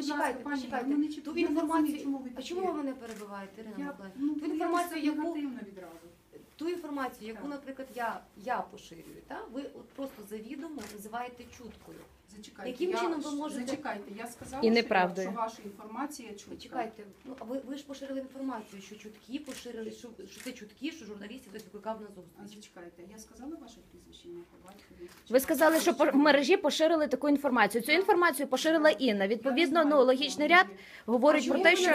Почекайте, почекайте. Ту інформацію, а чому ви мене перебиваєте, Ірина Миколаївна? Ту інформацію, яку, наприклад, я поширюю, ви просто завідомо називаєте чуткою. Яким чином ви можете... Зачекайте, я сказала, що ваша інформація чутка. Чекайте, ви ж поширили інформацію, що чутки поширили, що це чутки, що журналістів хтось викликав на зустріч. Зачекайте, я сказала ваше прізвище, ім'я, по батькові? Ви сказали, що в мережі поширили таку інформацію. Цю інформацію поширила Інна. Відповідно, логічний ряд говорить про те, що...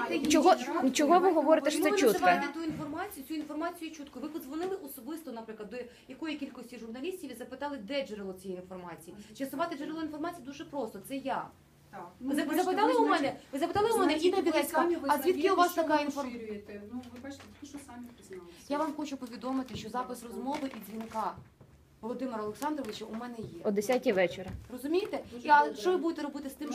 Чого ви говорите, що це чутка? Чому ви називаєте цю інформацію чуткою? Ви подзвонили особисто, наприклад, до якої кількості журналістів і запитали, де джерело цієї інформації. З'ясувати джерело інформації дуже просто, це я. Ви запитали у мене, Інна Білецька, а звідки у вас така інформація? Ви бачите, що самі призналися. Я вам хочу повідомити, що запис розмови і дзвінка Володимира Олександровича у мене є. О 10-й вечора. Розумієте? А що ви будете робити з тим,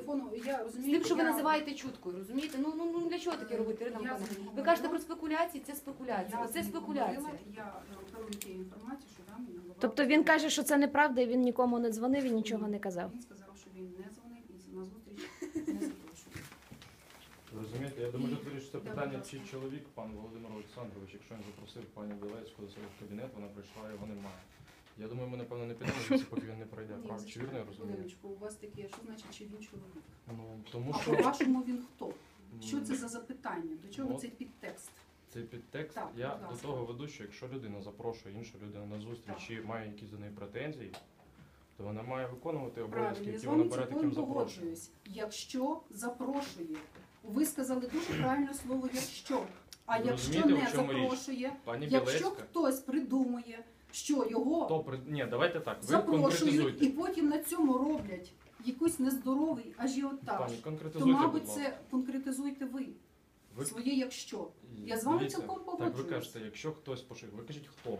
що ви називаєте чуткою? Розумієте? Ну для чого таке робити, Ірина Миколаївна? Ви кажете про спекуляції, це спекуляція. Оце спекуляція. Я оперую тією інформацією, що дам мені голова. Тобто він каже, що це неправда, і він нікому не дзвонив і нічого не казав. Він сказав, що він не дзвонив і на зустріч не запрошував. Розумієте, я думаю, тут вирішиться питання, чи чоловік, пан Володимир Олександрович, якщо він запросив пані Білецьку до себе в кабінет, вона прийшла, його немає. Я думаю, ми, напевно, не підемо звідси, поки він не пройде. Чи вірно я розумію? У вас таке, що значить, чи він чоловік? Тому А що... по-вашому він хто? Що це за запитання? До чого цей підтекст? Цей підтекст, я до того веду, що якщо людина запрошує іншу людину на зустріч і має якісь до неї претензії, то вона має виконувати обов'язки, які вона бере таким запрошенням. Якщо запрошує. Ви сказали дуже правильне слово «якщо». А якщо не запрошує, якщо хтось придумує, що його запрошують і потім на цьому роблять якийсь нездоровий ажіотаж, то, мабуть, це конкретизуйте ви. Своє «якщо». Я з вами цілком погоджуюсь. Так ви кажете, якщо хтось поширює, ви кажіть хто?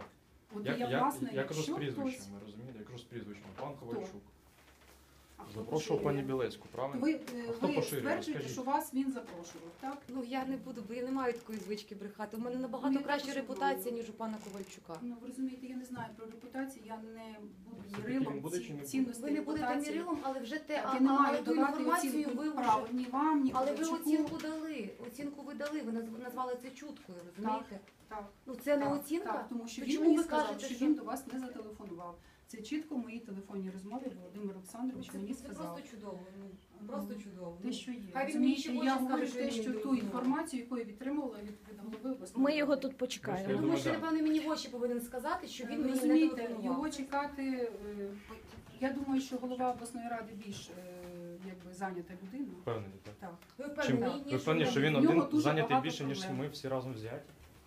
Я кажу з прізвищами, розумієте? Я кажу з прізвищами. Пан Ковальчук. Запрошував пані Білецьку, правильно? Ви стверджуєте, що вас він запрошував, так? Я не буду, бо я не маю такої звички брехати. У мене набагато краща репутація, ніж у пана Ковальчука. Ви розумієте, я не знаю про репутацію, я не буду мірилом цінності. Ви не будете мірилом, але вже те, я не маю давати оцінку ні вам, ні але ви оцінку дали, оцінку ви дали, ви назвали це чуткою, розумієте? Так. Це не оцінка? Так, тому що він мені сказав, що він до вас не зателефонував. Це чітко в моїй телефонній розмові Володимир Олександрович мені сказав. Це просто чудово, просто чудово. Те, що є. Розумієте, я говорю те, що ту інформацію, яку я відтримувала від голови обласної. Ми його тут почекаємо. Я думаю, що, напевно, мені в очі повинен сказати, що він мені не телефонував. Його чекати, я думаю, що голова обласної ради більш зайнята людина. Впевнені, так? Ви впевнені, що він один зайнятий більше, ніж ми всі разом взяті?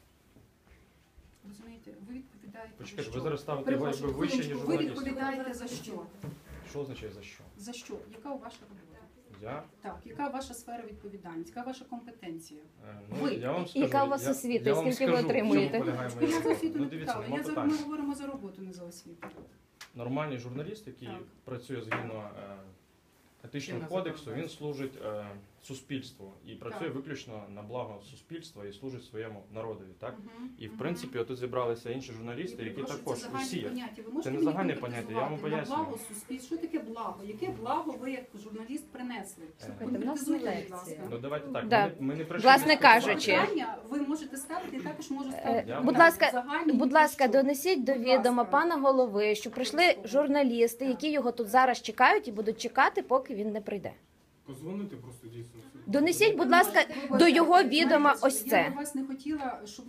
Розумієте, ви відповідаєте за що? Ви зараз ставите його вище, ніж журналістів. Ви відповідаєте за що? Що означає за що? За що? Яка ваша робота? Я? Так, яка ваша сфера відповідальності? Яка ваша компетенція? Я вам скажу, яка у вас освіта? Скільки ви отримуєте? Я за освіту не питала. Ми говоримо за роботу, не за освіту. Нормальний журналіст, який працює згідно етичного кодексу, він служить суспільству і працює виключно на благо суспільства і служить своєму народові, так? І в принципі отут зібралися інші журналісти, які також усі. Це не загальне поняття, я вам пояснюю. Благо суспільства. Що таке благо? Яке благо ви як журналіст принесли? Конкретизуйте, будь ласка. Ну давайте так, ми не прийшли. Власне кажучи, ви можете ставити, і також можу ставити. Будь ласка, донесіть до відома пана голови, що прийшли журналісти, які його тут зараз чекають і будуть чекати, поки він не прийде. Позвонити просто дійсно. Донесіть, будь ласка, до його відома ось це. Я б вас не хотіла, щоб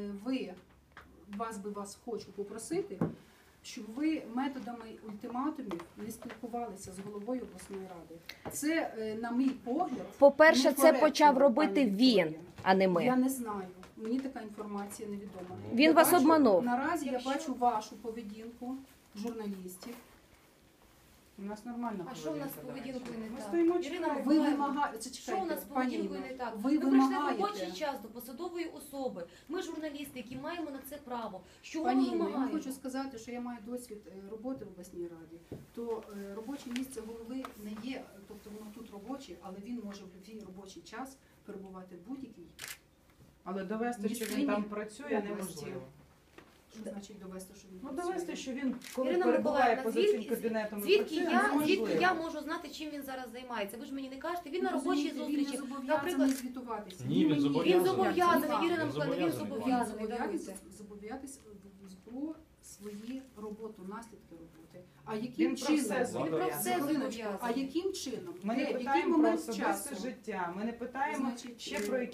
вас хочу попросити, щоб ви методами ультиматумів не спілкувалися з головою обласної ради. Це, на мій погляд, по-перше, це почав робити він, а не ми. Я не знаю. Мені така інформація невідома. Він вас обманув. Наразі я бачу вашу поведінку журналістів. У нас нормально. А що у нас з поведінкою не так? Ірина, ви вимагаєте, що у нас з поведінкою не так? Ви прийшли в вимагаєте. робочий час до посадової особи. Ми журналісти, які маємо на це право. Що ми Пані Інно, я вимагаємо? вам хочу сказати, що я маю досвід роботи в обласній раді, то робоче місце голови не є, тобто воно тут робоче, але він може в будь-який робочий час перебувати в будь-якій. Але довести, що він там працює, неможливо. Що значить довести, що він Ну працює? довести, що він коли Ірина перебуває Миколаївна, поза цим кабінетом, і звідки працює, я можу знати, чим він зараз займається? Ви ж мені не кажете, він на робочій Розумієте, зустрічі. Він не зобов'язаний Наприклад, звітуватися. Ні, він мені. зобов'язаний. Він зобов'язаний, Так. Ірина Він Миколаївна, він зобов'язаний. зобов'язаний. Зобов'язатись про свою роботу, наслідки роботи. А Він яким про чином? все Він про все Хвилиночку. зобов'язаний. А яким чином? Ми Де? не В який питаємо про момент особисте часу? життя, ми не питаємо Значить, ще про